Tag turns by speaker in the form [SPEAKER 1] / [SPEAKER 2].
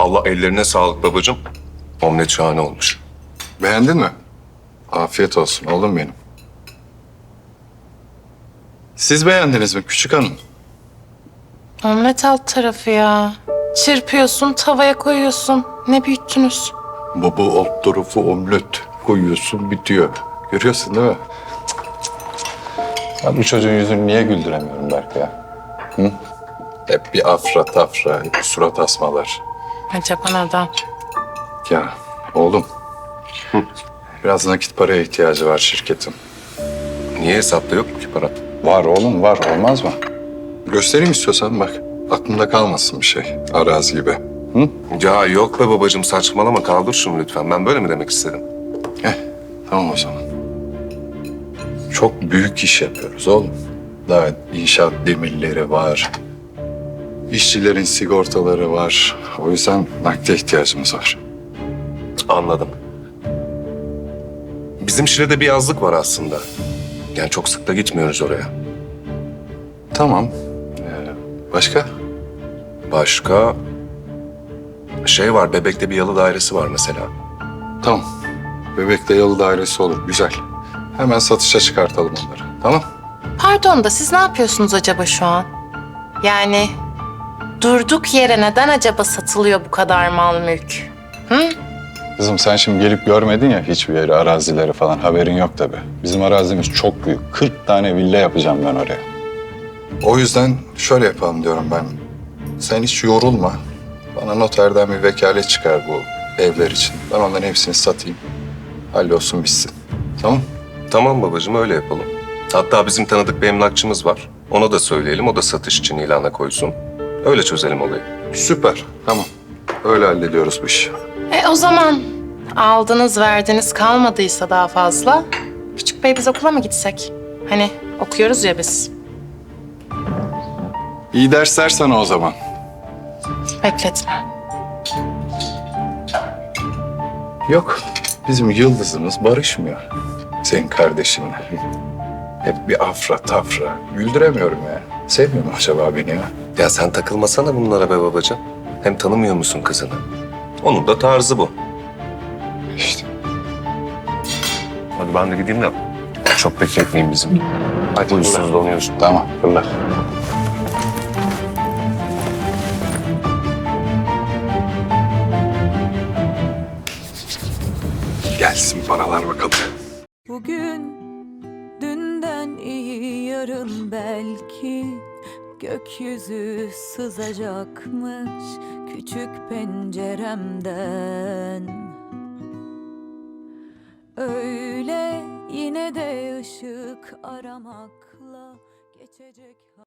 [SPEAKER 1] Vallahi ellerine sağlık babacığım. Omlet şahane olmuş.
[SPEAKER 2] Beğendin mi? Afiyet olsun oğlum benim. Siz beğendiniz mi küçük hanım?
[SPEAKER 3] Omlet alt tarafı ya. Çırpıyorsun, tavaya koyuyorsun. Ne büyüttünüz?
[SPEAKER 2] Baba alt tarafı omlet koyuyorsun bitiyor. Görüyorsun değil mi? Ya bu çocuğun yüzünü niye güldüremiyorum Berk ya? Hı? Hep bir afra tafra, hep bir surat asmalar.
[SPEAKER 3] Acaba neden?
[SPEAKER 2] Ya oğlum. Biraz nakit paraya ihtiyacı var şirketin.
[SPEAKER 1] Niye hesapta yok mu ki para?
[SPEAKER 2] Var oğlum var, olmaz mı? Göstereyim istiyorsan bak. Aklımda kalmasın bir şey, arazi gibi. Hı?
[SPEAKER 1] Ya yok be babacığım, saçmalama, kaldır şunu lütfen. Ben böyle mi demek istedim?
[SPEAKER 2] Tamam o zaman. Çok büyük iş yapıyoruz oğlum. Daha inşaat demirleri var. İşçilerin sigortaları var. O yüzden nakde ihtiyacımız var.
[SPEAKER 1] Anladım. Bizim Şile'de bir yazlık var aslında. Yani çok sık da gitmiyoruz oraya.
[SPEAKER 2] Tamam. Başka?
[SPEAKER 1] Başka şey var, Bebek'te bir yalı dairesi var mesela.
[SPEAKER 2] Tamam. Bebek'te yalı dairesi olur. Güzel. Hemen satışa çıkartalım onları. Tamam.
[SPEAKER 3] Pardon da siz ne yapıyorsunuz acaba şu an? Yani durduk yere neden acaba satılıyor bu kadar mal mülk? Hı?
[SPEAKER 2] Kızım sen şimdi gelip görmedin ya hiçbir yeri, arazileri falan. Haberin yok tabii. Bizim arazimiz çok büyük. 40 tane villa yapacağım ben oraya. O yüzden şöyle yapalım diyorum ben. Sen hiç yorulma. Bana noterden bir vekalet çıkar bu evler için. Ben onların hepsini satayım. Hallolsun bitsin. Tamam?
[SPEAKER 1] Tamam babacığım, öyle yapalım. Hatta bizim tanıdık bir emlakçımız var. Ona da söyleyelim, o da satış için ilana koysun. Öyle çözelim olayı.
[SPEAKER 2] Süper. Tamam. Öyle hallediyoruz bu işi.
[SPEAKER 3] O zaman aldınız verdiniz kalmadıysa daha fazla. Küçük bey biz okula mı gitsek? Hani okuyoruz ya biz.
[SPEAKER 2] İyi dersler sana o zaman.
[SPEAKER 3] Bekletme.
[SPEAKER 2] Yok. Bizim yıldızımız barışmıyor. Senin kardeşinle. Hep bir afra tafra. Güldüremiyorum ya. Sevmiyor mu acaba beni ya?
[SPEAKER 1] Ya sen takılmasana bunlara be babacığım. Hem tanımıyor musun kızını? Onun da tarzı bu.
[SPEAKER 2] İşte.
[SPEAKER 1] Hadi ben de gideyim de çok bekletmeyeyim bizim. Hadi huysuzlanıyorsun.
[SPEAKER 2] Tamam. Fırla. Gelsin paralar bakalım.
[SPEAKER 4] Bugün dünden iyi yarın belki gökyüzü sızacakmış küçük penceremden. Öyle yine de ışık aramakla geçecek.